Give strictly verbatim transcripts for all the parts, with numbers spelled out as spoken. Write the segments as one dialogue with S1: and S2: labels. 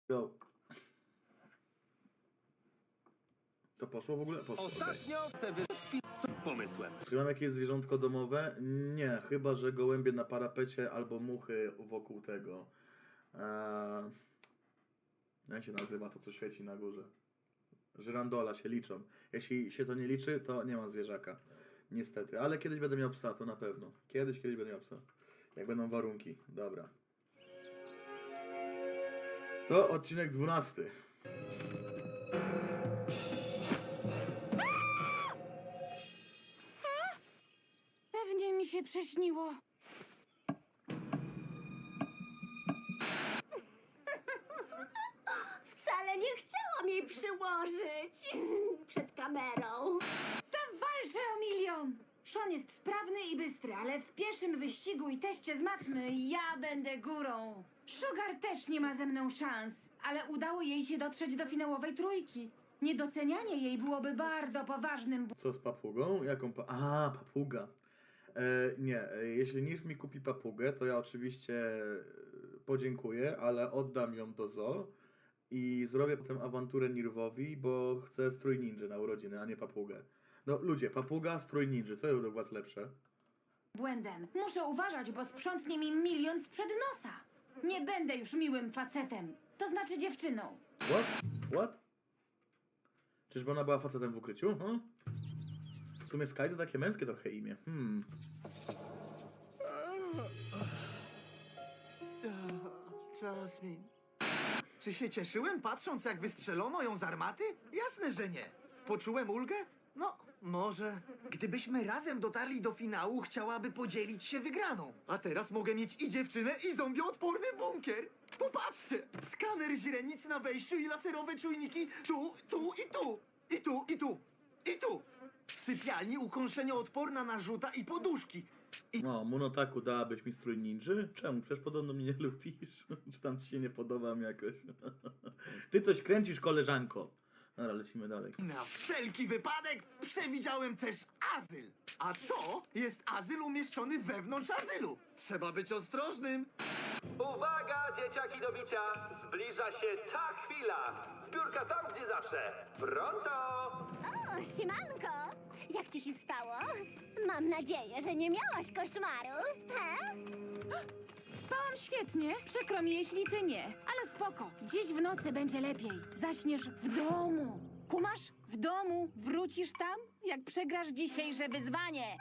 S1: Go. To poszło w ogóle? Poszło.
S2: Ostatnio chcę wyspić z pomysłem.
S1: Czy mam jakieś zwierzątko domowe? Nie, chyba że gołębie na parapecie albo muchy wokół tego. Eee... Jak się nazywa to, co świeci na górze? Żyrandola się liczą. Jeśli się to nie liczy, to nie ma zwierzaka. Niestety, ale kiedyś będę miał psa, to na pewno. Kiedyś, kiedyś będę miał psa. Jak będą warunki. Dobra. To odcinek dwunasty.
S3: Pewnie mi się przyśniło.
S4: Wcale nie chciałam jej przyłożyć przed kamerą.
S3: Zawalczę o milion! Sean jest sprawny i bystry, ale w pierwszym wyścigu i teście z matmy ja będę górą. Sugar też nie ma ze mną szans, ale udało jej się dotrzeć do finałowej trójki. Niedocenianie jej byłoby bardzo poważnym bł-
S1: Co z papugą? Jaką pa... A, papuga. E, nie, e, jeśli Niv mi kupi papugę, to ja oczywiście e, podziękuję, ale oddam ją do zoo i zrobię potem awanturę Nirwowi, bo chcę strój ninja na urodziny, a nie papugę. No ludzie, papuga, strój ninja, co jest do was lepsze?
S3: błędem. Muszę uważać, bo sprzątnie mi milion sprzed nosa. Nie będę już miłym facetem. To znaczy dziewczyną.
S1: What? What? Czyżby ona była facetem w ukryciu? Hm? W sumie Sky to takie męskie trochę imię. Hmm.
S5: Jasmine. Czy się cieszyłem, patrząc, jak wystrzelono ją z armaty? Jasne, że nie. Poczułem ulgę? No, może. Gdybyśmy razem dotarli do finału, chciałaby podzielić się wygraną. A teraz mogę mieć i dziewczynę, i zombieodporny bunkier. Popatrzcie! Skaner źrenic na wejściu i laserowe czujniki tu, tu i tu. I tu, i tu. I tu. W sypialni ukąszenioodporna narzuta i poduszki.
S1: No, Monotaku, dałabyś mi strój ninży? Czemu? Przecież podobno mnie nie lubisz. Czy tam ci się nie podobam jakoś? Ty coś kręcisz, koleżanko. Dobra, lecimy dalej.
S5: Na wszelki wypadek przewidziałem też azyl. A to jest azyl umieszczony wewnątrz azylu. Trzeba być ostrożnym.
S2: Uwaga, dzieciaki do bicia! Zbliża się ta chwila! Zbiórka tam, gdzie zawsze! Pronto!
S4: O, siemanko! Jak ci się spało? Mam nadzieję, że nie miałaś koszmaru, he?
S3: Spałam świetnie, przykro mi jeśli ty nie, ale spoko. Dziś w nocy będzie lepiej. Zaśniesz w domu. Kumasz? W domu. Wrócisz tam, jak przegrasz dzisiejsze wyzwanie.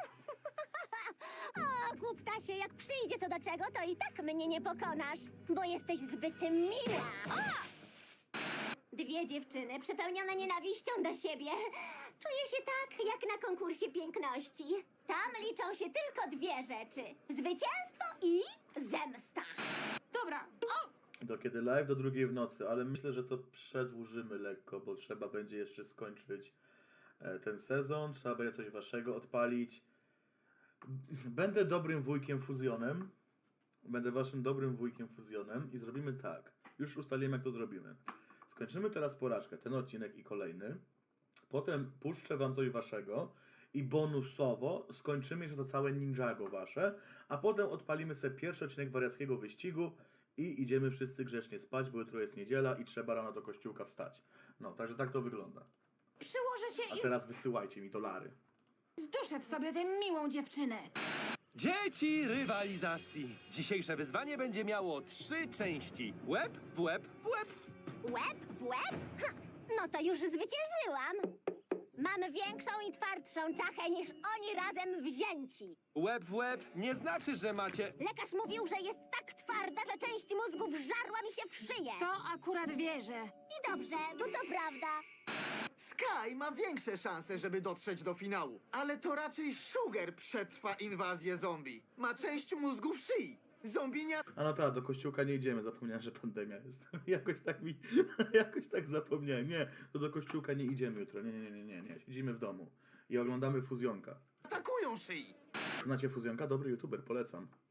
S4: O, głuptasie, jak przyjdzie co do czego, to i tak mnie nie pokonasz, bo jesteś zbyt mila. O! Dwie dziewczyny przepełnione nienawiścią do siebie. Czuję się tak, jak na konkursie piękności. Tam liczą się tylko dwie rzeczy. Zwycięstwo i zemsta.
S3: Dobra. O!
S1: Do kiedy live? Do drugiej w nocy, ale myślę, że to przedłużymy lekko, bo trzeba będzie jeszcze skończyć e, ten sezon, trzeba będzie coś waszego odpalić. Będę dobrym wujkiem fuzjonem. Będę waszym dobrym wujkiem fuzjonem i zrobimy tak. Już ustalimy, jak to zrobimy. Skończymy teraz porażkę, ten odcinek i kolejny. Potem puszczę wam coś waszego i bonusowo skończymy jeszcze to całe Ninjago wasze, a potem odpalimy sobie pierwszy odcinek wariackiego wyścigu i idziemy wszyscy grzecznie spać, bo jutro jest niedziela i trzeba rano do kościółka wstać. No, także tak to wygląda.
S3: Przyłożę się
S1: A
S3: i
S1: teraz wysyłajcie mi dolary.
S3: zduszę w sobie tę miłą dziewczynę.
S2: Dzieci rywalizacji! Dzisiejsze wyzwanie będzie miało trzy części. Łeb w łeb w łeb.
S4: Łeb w łeb? Ha, no to już zwyciężyłam. Mam większą i twardszą czachę niż oni razem wzięci.
S2: Łeb w łeb nie znaczy, że macie...
S4: Lekarz mówił, że jest tak twarda, że część mózgu wżarła mi się w szyję.
S3: To akurat wierzę.
S4: I dobrze, bo to prawda.
S5: Sky ma większe szanse, żeby dotrzeć do finału. Ale to raczej Sugar przetrwa inwazję zombie. Ma część mózgu w szyi. Zombie nie...
S1: A no tak, do kościółka nie idziemy, zapomniałem, że pandemia jest. jakoś tak mi, jakoś tak zapomniałem. Nie, to do kościółka nie idziemy jutro. Nie, nie, nie, nie, nie. Siedzimy w domu i oglądamy Fuzjonka.
S5: atakują szyi.
S1: Znacie Fuzjonka? Dobry youtuber, polecam.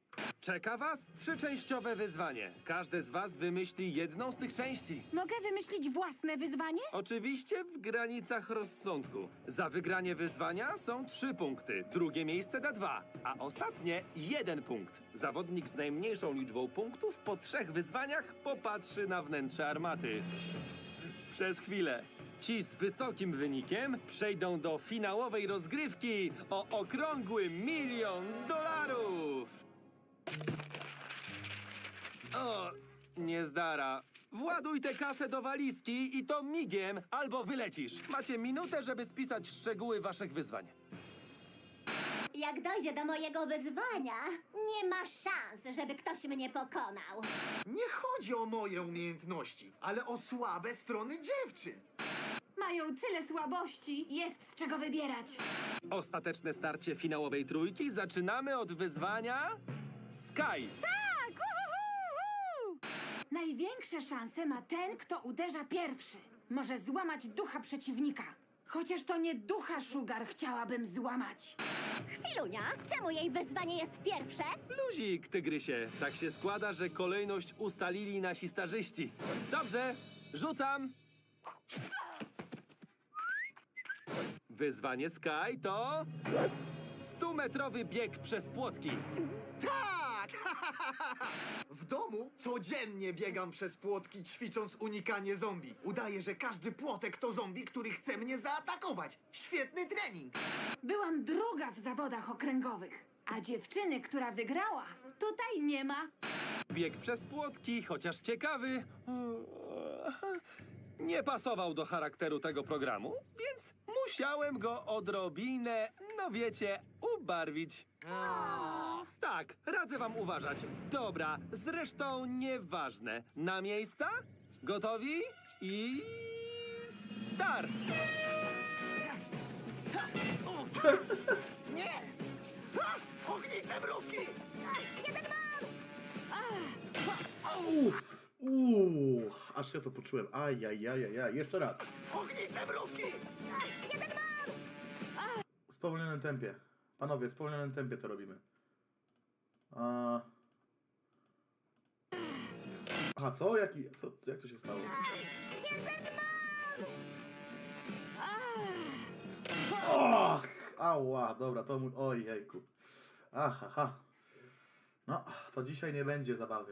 S6: Czeka was trzyczęściowe wyzwanie. Każdy z was wymyśli jedną z tych części.
S3: Mogę wymyślić własne wyzwanie?
S6: Oczywiście w granicach rozsądku. Za wygranie wyzwania są trzy punkty, drugie miejsce da dwa, a ostatnie jeden punkt. Zawodnik z najmniejszą liczbą punktów po trzech wyzwaniach popatrzy na wnętrze armaty. Przez chwilę. Ci z wysokim wynikiem przejdą do finałowej rozgrywki o okrągły milion dolarów. O, niezdara. Właduj tę kasę do walizki i to migiem, albo wylecisz. Macie minutę, żeby spisać szczegóły waszych wyzwań.
S4: Jak dojdzie do mojego wyzwania, nie ma szans, żeby ktoś mnie pokonał.
S5: Nie chodzi o moje umiejętności, ale o słabe strony dziewczyn.
S3: Mają tyle słabości, jest z czego wybierać.
S6: Ostateczne starcie finałowej trójki zaczynamy od wyzwania Sky.
S3: Tak! Uhuhu! Największe szanse ma ten, kto uderza pierwszy. Może złamać ducha przeciwnika. Chociaż to nie ducha Sugar chciałabym złamać.
S4: Chwilunia, czemu jej wyzwanie jest pierwsze?
S6: Luzik, tygrysie. Tak się składa, że kolejność ustalili nasi starzyści. Dobrze, rzucam. Wyzwanie Sky to stumetrowy bieg przez płotki.
S5: Tak! W domu codziennie biegam przez płotki, ćwicząc unikanie zombie. Udaję, że każdy płotek to zombie, który chce mnie zaatakować. Świetny trening!
S3: Byłam druga w zawodach okręgowych, a dziewczyny, która wygrała, tutaj nie ma.
S6: Bieg przez płotki, chociaż ciekawy, nie pasował do charakteru tego programu, więc musiałem go odrobinę, no wiecie, ubarwić. Tak, radzę wam uważać. Dobra, zresztą nieważne. Na miejsca? Gotowi? I... start!
S5: Nie! Ha! Ogniste mrówki!
S1: Uff, uuu, aż się to poczułem. Ajajajajaj, jeszcze raz.
S5: Ogniste mrówki!
S1: W spowolnionym tempie. Panowie, w spowolnionym tempie to robimy. A... Aha, co? Jaki, co? Jak to się stało? Och, ała, dobra, to mój... Oj, jejku. Aha, ha. No, to dzisiaj nie będzie zabawy.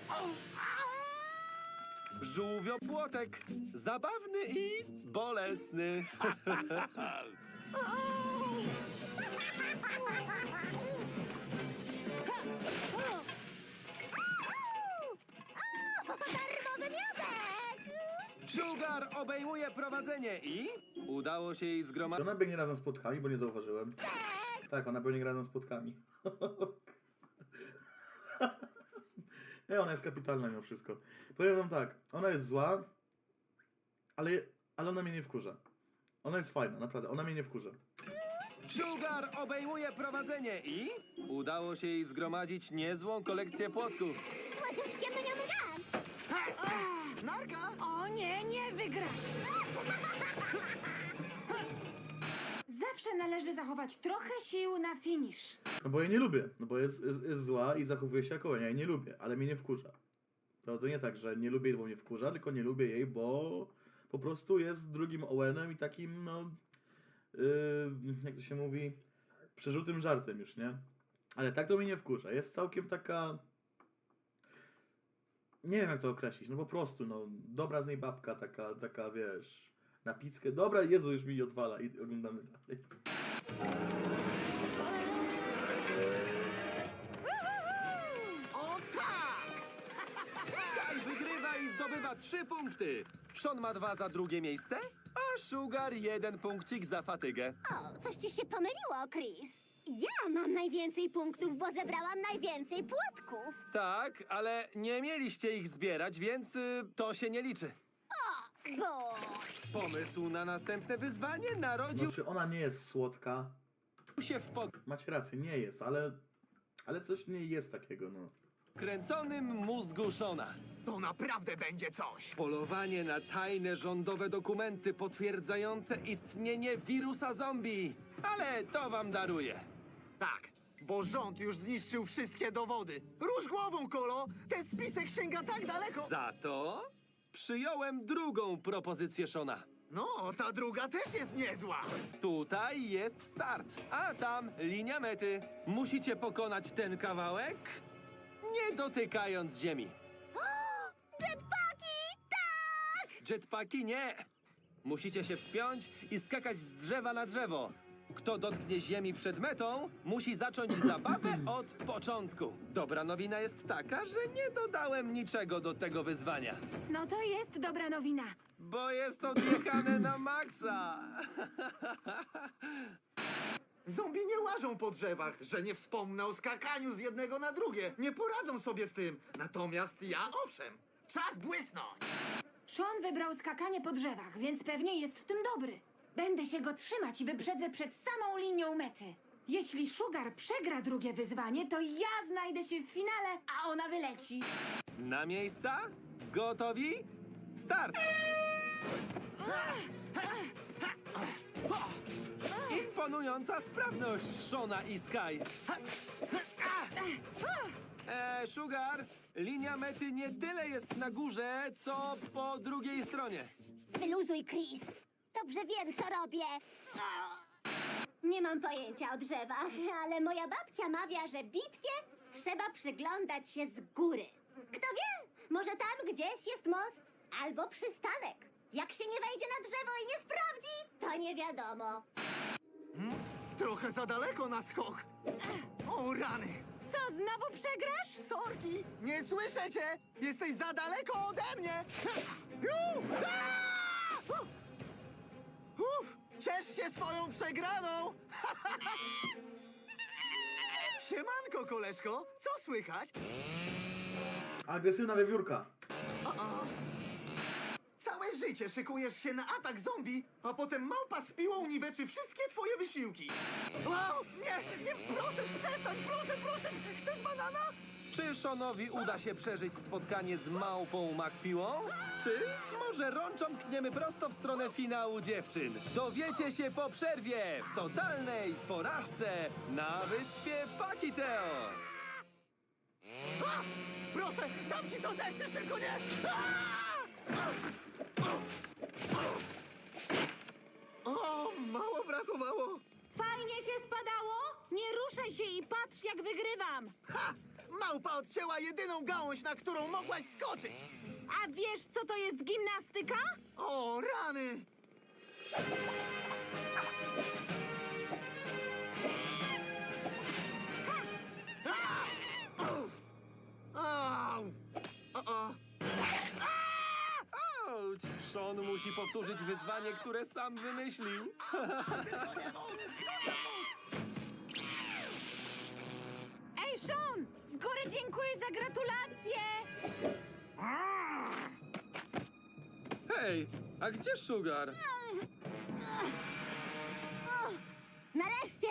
S6: Żółwiopłotek. Zabawny i bolesny.
S4: Darmowy miodek!
S6: Sugar obejmuje prowadzenie i... udało się jej
S1: Czy
S6: zgromadzić...
S1: ona biegnie razem z płotkami, bo nie zauważyłem? Tak, ona biegnie razem z płotkami. Nie, ona jest kapitalna mimo wszystko. Powiem wam tak, ona jest zła, ale, ale ona mnie nie wkurza. Ona jest fajna, naprawdę, ona mnie nie wkurza.
S6: Sugar obejmuje prowadzenie i... udało się jej zgromadzić niezłą kolekcję płotków.
S4: Słodziutkie mnie mnie!
S5: Narka!
S3: O nie, nie wygra! Zawsze należy zachować trochę sił na finisz.
S1: No bo jej nie lubię, no bo jest, jest, jest zła i zachowuje się jako ja jej nie lubię, ale mnie nie wkurza. To, to nie tak, że nie lubię jej, bo mnie wkurza, tylko nie lubię jej, bo po prostu jest drugim Owenem i takim, no, yy, jak to się mówi, przerzutym żartem już, nie? Ale tak to mnie nie wkurza. Jest całkiem taka... Nie wiem jak to określić, no po prostu, no, dobra z niej babka, taka, taka, wiesz, na pickę. Dobra, Jezu, już mi odwala i oglądamy dalej.
S5: O tak!
S6: Sky wygrywa i zdobywa trzy punkty. Sean ma dwa za drugie miejsce, a Sugar jeden punkcik za fatygę.
S4: O, coś ci się pomyliło, Chris. Ja mam najwięcej punktów, bo zebrałam najwięcej płotków.
S6: Tak, ale nie mieliście ich zbierać, więc y, to się nie liczy.
S4: Bo...
S6: Pomysł na następne wyzwanie narodził
S1: Znaczy, ona nie jest słodka.
S6: się w
S1: Macie rację, nie jest, ale... Ale coś w niej jest takiego, no.
S6: podkręconym mózgu Shona.
S5: To naprawdę będzie coś!
S6: Polowanie na tajne rządowe dokumenty potwierdzające istnienie wirusa zombie. Ale to wam daruję.
S5: Tak, bo rząd już zniszczył wszystkie dowody. Rusz głową, Kolo! Ten spisek sięga tak daleko!
S6: Za to przyjąłem drugą propozycję Shona.
S5: No, ta druga też jest niezła!
S6: Tutaj jest start, a tam linia mety. Musicie pokonać ten kawałek, nie dotykając ziemi.
S4: Jetpacki! Tak!
S6: Jetpacki nie! Musicie się wspiąć i skakać z drzewa na drzewo. Kto dotknie ziemi przed metą, musi zacząć zabawę od początku. Dobra nowina jest taka, że nie dodałem niczego do tego wyzwania.
S3: No to jest dobra nowina.
S6: Bo jest odjechane na maksa.
S5: Zombie nie łażą po drzewach, że nie wspomnę o skakaniu z jednego na drugie. Nie poradzą sobie z tym. Natomiast ja owszem. Czas błysnąć!
S3: Sean wybrał skakanie po drzewach, więc pewnie jest w tym dobry. Będę się go trzymać i wyprzedzę przed samą linią mety. Jeśli Sugar przegra drugie wyzwanie, to ja znajdę się w finale, a ona wyleci.
S6: Na miejsca? Gotowi? Start! Imponująca sprawność Shona i Sky. E, Sugar, linia mety nie tyle jest na górze, co po drugiej stronie.
S4: Wyluzuj, Chris. Dobrze wiem, co robię. Nie mam pojęcia o drzewach, ale moja babcia mawia, że bitwie trzeba przyglądać się z góry. Kto wie, może tam gdzieś jest most albo przystanek. Jak się nie wejdzie na drzewo i nie sprawdzi, to nie wiadomo.
S5: Trochę za daleko na skok. O rany!
S3: Co, znowu przegrasz?
S5: Sorki! Nie słyszę cię! Jesteś za daleko ode mnie! Ju! Aaa! Uf! Ciesz się swoją przegraną! Siemanko, koleżko! Co słychać?
S1: Agresywna wiewiórka.
S5: O, o. Całe życie szykujesz się na atak zombie, a potem małpa z piłą niweczy wszystkie twoje wysiłki. Wow! Nie, nie, proszę, przestań, proszę, proszę! Chcesz banana?
S6: Czy Seanowi uda się przeżyć spotkanie z małpą Macpiłą? Czy może rączą kniemy prosto w stronę finału dziewczyn? Dowiecie się po przerwie w totalnej porażce na wyspie Pakiteo.
S5: A! Proszę, dam ci co zechcesz, tylko nie! A! O, mało brakowało!
S3: Fajnie się spadało? Nie ruszaj się i patrz, jak wygrywam.
S5: Ha! Małpa odcięła jedyną gałąź, na którą mogłaś skoczyć!
S3: A wiesz, co to jest gimnastyka?
S5: O, rany! A! Au! Au! O, o!
S6: Ouch! Sean musi powtórzyć wyzwanie, które sam wymyślił.
S3: Ej, Sean! Z góry dziękuję za gratulacje!
S6: Hej, a gdzie Sugar?
S4: Nareszcie!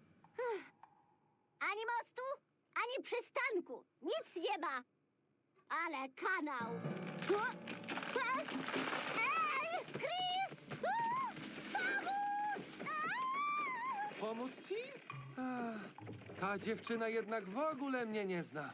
S4: Ani mostu, ani przystanku. Nic nie ma. Ale kanał. Ej, Chris! Pomóż!
S6: Pomóc ci? Ach, ta dziewczyna jednak w ogóle mnie nie zna.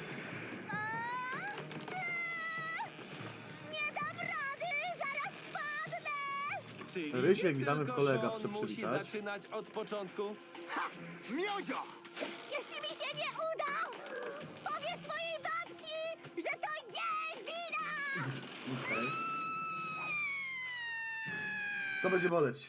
S4: Nie dam rady! Zaraz spadnę!
S6: Czyli
S1: Rysiek,
S6: nie
S1: witamy w
S6: tylko
S1: kolega,
S6: Sean
S1: chcę
S6: musi
S1: przywitać.
S6: zaczynać od początku.
S5: Ha! Miodzio!
S4: Jeśli mi się nie uda, powiedz mojej babci, że to jej wina!
S1: Okej. To będzie boleć.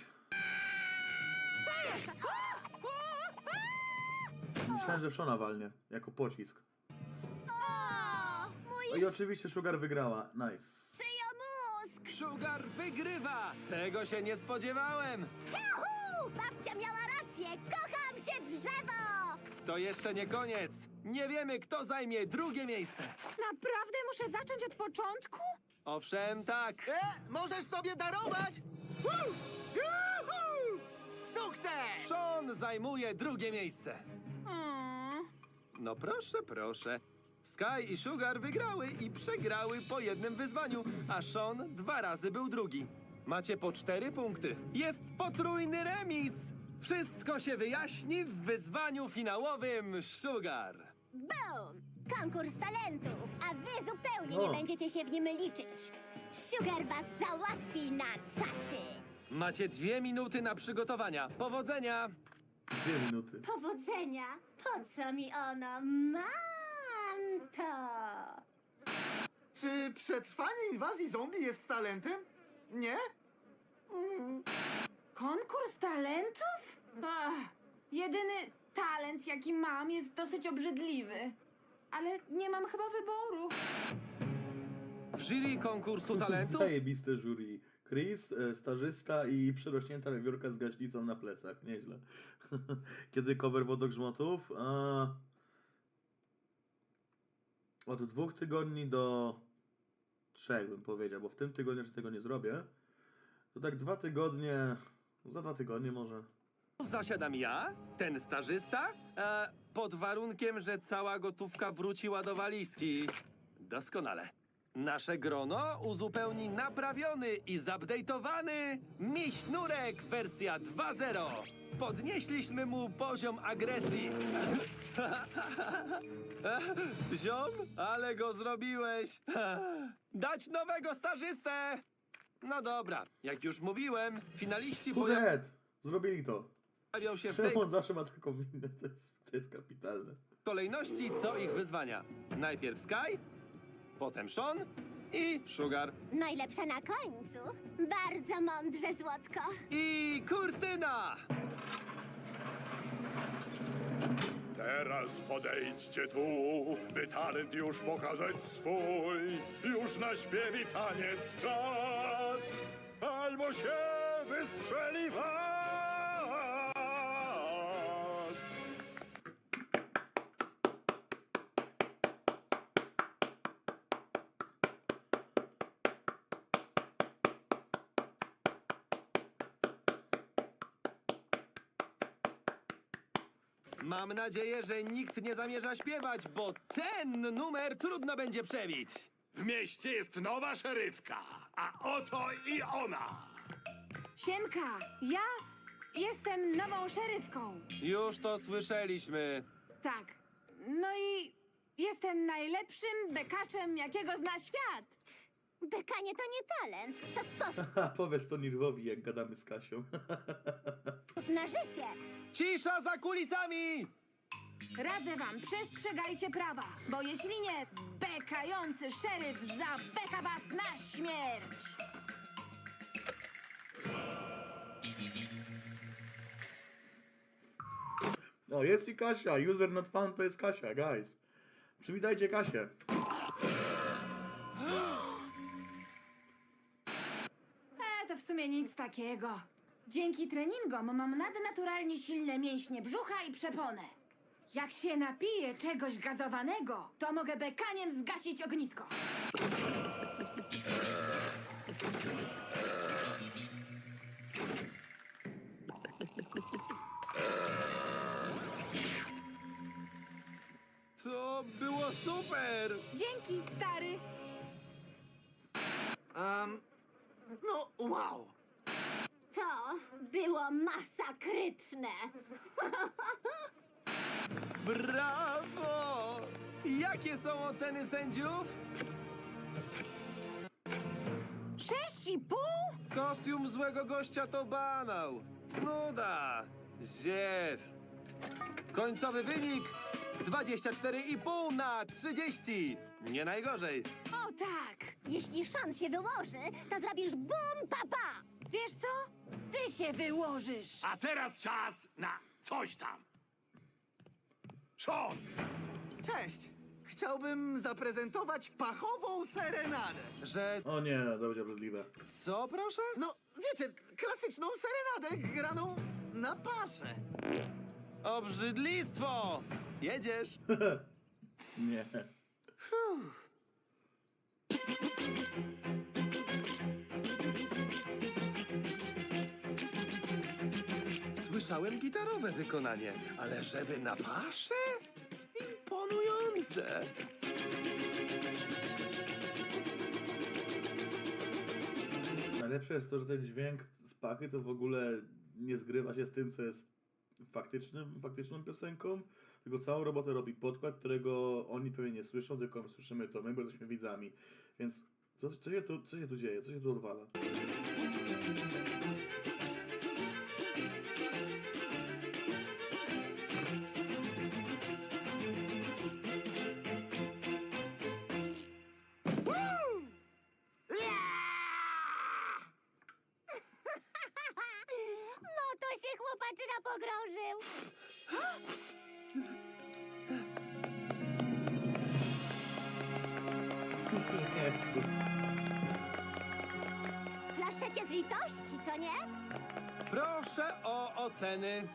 S1: Myślałem, że w Shona walnie, jako pocisk.
S4: O, mój
S1: No i oczywiście Sugar wygrała. Nice.
S4: szyjo mózg!
S6: Sugar wygrywa! Tego się nie spodziewałem!
S4: Juhu! Babcia miała rację! Kocham cię, drzewo!
S6: To jeszcze nie koniec. Nie wiemy, kto zajmie drugie miejsce.
S3: Naprawdę muszę zacząć od początku?
S6: Owszem, tak.
S5: E, możesz sobie darować! Woo! Juhu! Sukces!
S6: Sean zajmuje drugie miejsce.
S3: Mm.
S6: No proszę, proszę. Sky i Sugar wygrały i przegrały po jednym wyzwaniu, a Sean dwa razy był drugi. Macie po cztery punkty. Jest potrójny remis! Wszystko się wyjaśni w wyzwaniu finałowym Sugar.
S4: Boom! Konkurs talentów, a wy zupełnie
S1: O.
S4: nie będziecie się w nim liczyć. Sugar was załatwi na cacy.
S6: Macie dwie minuty na przygotowania. Powodzenia!
S1: Dwie minuty.
S4: Powodzenia. Po co mi ono? Mam to.
S5: Czy przetrwanie inwazji zombie jest talentem? Nie? Mm.
S3: Konkurs talentów? Ach, jedyny talent, jaki mam, jest dosyć obrzydliwy. Ale nie mam chyba wyboru.
S6: W jury konkursu talentów
S1: Zajebiste jury. Chris, e, stażysta i przerośnięta wiewiórka z gaśnicą na plecach. Nieźle. Kiedy cover wodogrzmotów? A... Od dwóch tygodni do trzech bym powiedział, bo w tym tygodniu jeszcze tego nie zrobię. To tak dwa tygodnie, za dwa tygodnie może.
S6: zasiadam ja, ten stażysta, e, pod warunkiem, że cała gotówka wróciła do walizki. Doskonale. Nasze grono uzupełni naprawiony i zupdate'owany Miś Nurek wersja dwa zero. Podnieśliśmy mu poziom agresji. Ziom, ale go zrobiłeś. Dać nowego stażystę. No dobra, jak już mówiłem, finaliści pojawią
S1: Head! Zrobili to.
S6: się w tej
S1: Czemu on zawsze ma taką minę? To jest, to jest kapitalne.
S6: kolejności co ich wyzwania. Najpierw Sky, potem Sean i Sugar.
S4: Najlepsza na końcu. Bardzo mądrze, Złotko.
S6: I Kurtyna!
S7: Teraz podejdźcie tu, by talent już pokazać swój. Już na śpiew i taniec czas, albo się wystrzeli was.
S6: Mam nadzieję, że nikt nie zamierza śpiewać, bo ten numer trudno będzie przebić.
S7: W mieście jest nowa szeryfka, a oto i ona.
S3: Siemka, ja jestem nową szeryfką.
S6: Już to słyszeliśmy.
S3: Tak. No i jestem najlepszym bekaczem, jakiego zna świat.
S4: Bekanie to nie talent, to sposób
S1: Ha, powiedz to Nirwowi, jak gadamy z Kasią.
S4: na życie.
S6: Cisza za kulisami!
S3: Radzę wam, przestrzegajcie prawa, bo jeśli nie, bekający szeryf zabeka was na śmierć.
S1: No, jest i Kasia. User not found to jest Kasia, guys. Przywitajcie Kasię.
S3: E, to w sumie nic takiego. Dzięki treningom mam nadnaturalnie silne mięśnie brzucha i przeponę. Jak się napiję czegoś gazowanego, to mogę bekaniem zgasić ognisko.
S6: To było super!
S3: Dzięki, stary.
S5: Um, no, wow.
S4: To było masakryczne.
S6: Brawo! Jakie są oceny sędziów?
S3: Sześć i pół?
S6: Kostium złego gościa to banał. Nuda. Ziew. Końcowy wynik dwadzieścia cztery i pół na trzydzieści. Nie najgorzej.
S3: O tak.
S4: Jeśli Sean się wyłoży, to zrobisz bum papa.
S3: Wiesz co? Ty się wyłożysz.
S7: A teraz czas na coś tam. Sean,
S5: Cześć. Chciałbym zaprezentować pachową serenadę.
S6: Że
S1: O nie, to będzie obrzydliwe.
S6: co proszę?
S5: No, wiecie, klasyczną serenadę graną na paszę.
S6: Obrzydlistwo! Jedziesz?
S1: Nie.
S6: Słyszałem gitarowe wykonanie, ale żeby na paszę? Imponujące!
S1: Najlepsze jest to, że ten dźwięk z pachy to w ogóle nie zgrywa się z tym, co jest faktycznym, faktyczną piosenką, tylko całą robotę robi podkład, którego oni pewnie nie słyszą, tylko słyszymy to my, bo jesteśmy widzami. Więc co, co, się tu, co się tu dzieje? Co się tu odwala?
S4: No to się chłopaczyna pogrążył.
S1: Jezus.
S4: Klaszczecie z litości, co nie?
S6: Proszę o oceny.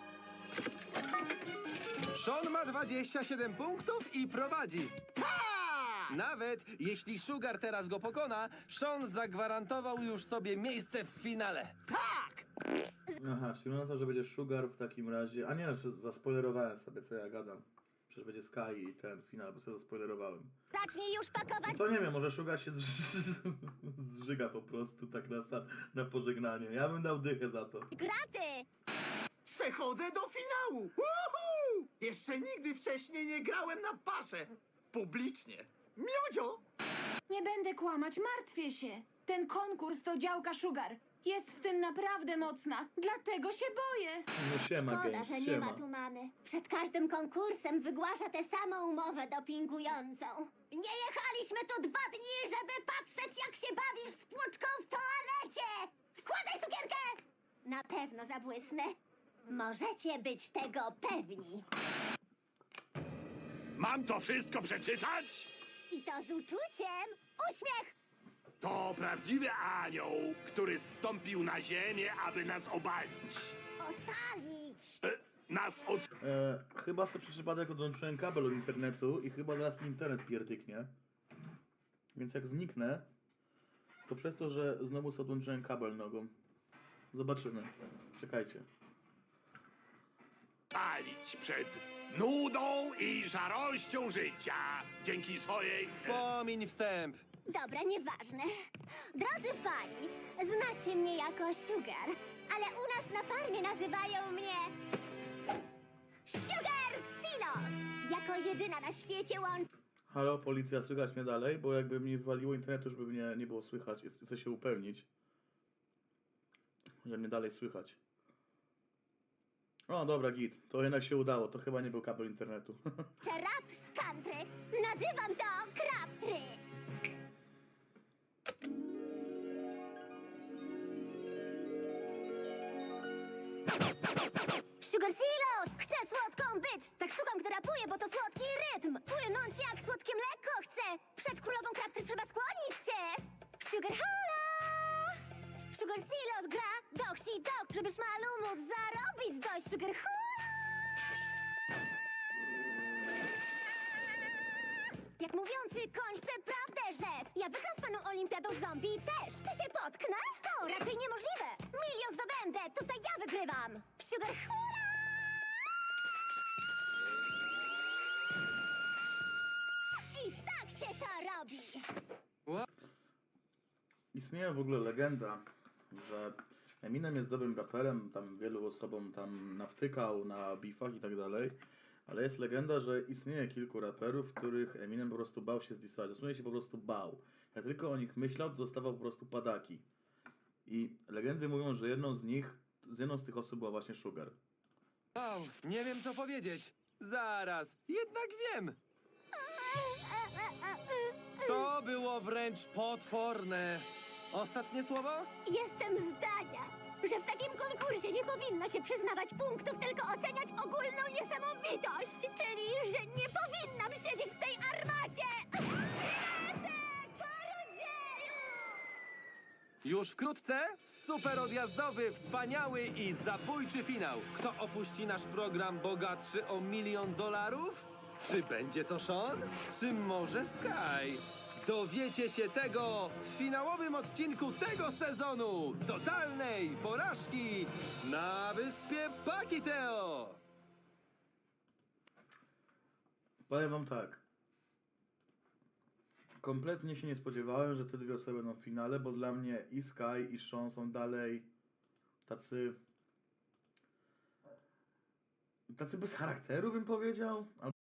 S6: Sean ma dwadzieścia siedem punktów i prowadzi. Nawet jeśli Sugar teraz go pokona, Sean zagwarantował już sobie miejsce w finale.
S1: Aha, czyli na to, że będzie Sugar w takim razie... A nie, no, zaspoilerowałem sobie, co ja gadam. Przecież będzie Sky i ten finał, bo sobie zaspoilerowałem.
S4: Zacznij już pakować.
S1: To nie wiem, może Sugar się zż... zżyga po prostu tak na, sa- na pożegnanie. Ja bym dał dychę za to.
S4: Graty!
S5: Przechodzę do finału! Uhu! Jeszcze nigdy wcześniej nie grałem na paszę. Publicznie. Miodzio!
S3: Nie będę kłamać, martwię się. Ten konkurs to działka Sugar. Jest w tym naprawdę mocna, dlatego się boję.
S1: No siema,
S4: Szkoda,
S1: Games,
S4: że nie
S1: siema.
S4: ma tu mamy. Przed każdym konkursem wygłasza tę samą umowę dopingującą. Nie jechaliśmy tu dwa dni, żeby patrzeć, jak się bawisz z płuczką w toalecie! Wkładaj cukierkę! Na pewno zabłysnę. Możecie być tego pewni.
S7: Mam to wszystko przeczytać?
S4: I to z uczuciem. Uśmiech!
S7: To prawdziwy anioł, który zstąpił na ziemię, aby nas obalić.
S4: Ocalić!
S7: E, nas od...
S1: E, chyba sobie przez przypadek odłączyłem kabel od internetu i chyba zaraz mi internet pierdyknie. Więc jak zniknę, to przez to, że znowu sobie odłączyłem kabel nogą. Zobaczymy. Czekajcie.
S7: palić przed nudą i szarością życia. Dzięki swojej... E,
S6: Pomiń wstęp.
S4: Dobra, nieważne. Drodzy fani, znacie mnie jako Sugar, ale u nas na farmie nazywają mnie... Sugar Silos! Jako jedyna na świecie łączy...
S1: Halo, policja, słychać mnie dalej? Bo jakby mi waliło internetu, żeby mnie nie było słychać. Jest- Chcę się upewnić, że mnie dalej słychać. O, dobra, git. To jednak się udało. To chyba nie był kabel internetu.
S4: rap z country. Nazywam to Crabtree. Sugar Silos! Chcę słodką być! Tak szukam, która rapuje, bo to słodki rytm! Płynąć jak słodkie mleko chcę! Przed królową Crabtree trzeba skłonić się! Sugar Hola! Sugar Silos gra do wsi dok, żeby szmalu móc zarobić dość! Sugar Hola! Jak mówiący koń chce prawdę rzec. Ja wygram z paną olimpiadą zombie też. Czy się potknę? To raczej niemożliwe. Milion zdobędę, tutaj ja wygrywam. Sugar hula! I tak się to robi.
S1: Istnieje w ogóle legenda, że Eminem jest dobrym raperem, tam wielu osobom tam nawtykał na beefach i tak dalej, ale jest legenda, że istnieje kilku raperów, których Eminem po prostu bał się zdisać. Dosłownie się po prostu bał. Jak tylko o nich myślał, to dostawał po prostu padaki. I legendy mówią, że jedną z nich, z jedną z tych osób była właśnie Sugar.
S6: Wow, nie wiem co powiedzieć. Zaraz, jednak wiem. To było wręcz potworne. Ostatnie słowo?
S4: Jestem zdania, że w takim konkursie nie powinno się przyznawać punktów, tylko oceniać ogólną niesamowitość. Czyli, że nie powinnam siedzieć w tej armacie. Lecę, czarodzieju!
S6: Już wkrótce super odjazdowy, wspaniały i zabójczy finał. Kto opuści nasz program bogatszy o milion dolarów? Czy będzie to Sean? Czy może Sky? Dowiecie się tego w finałowym odcinku tego sezonu totalnej porażki na wyspie Pakiteo.
S1: Powiem wam tak. Kompletnie się nie spodziewałem, że te dwie osoby będą w finale, bo dla mnie i Sky, i Sean są dalej tacy... tacy bez charakteru bym powiedział.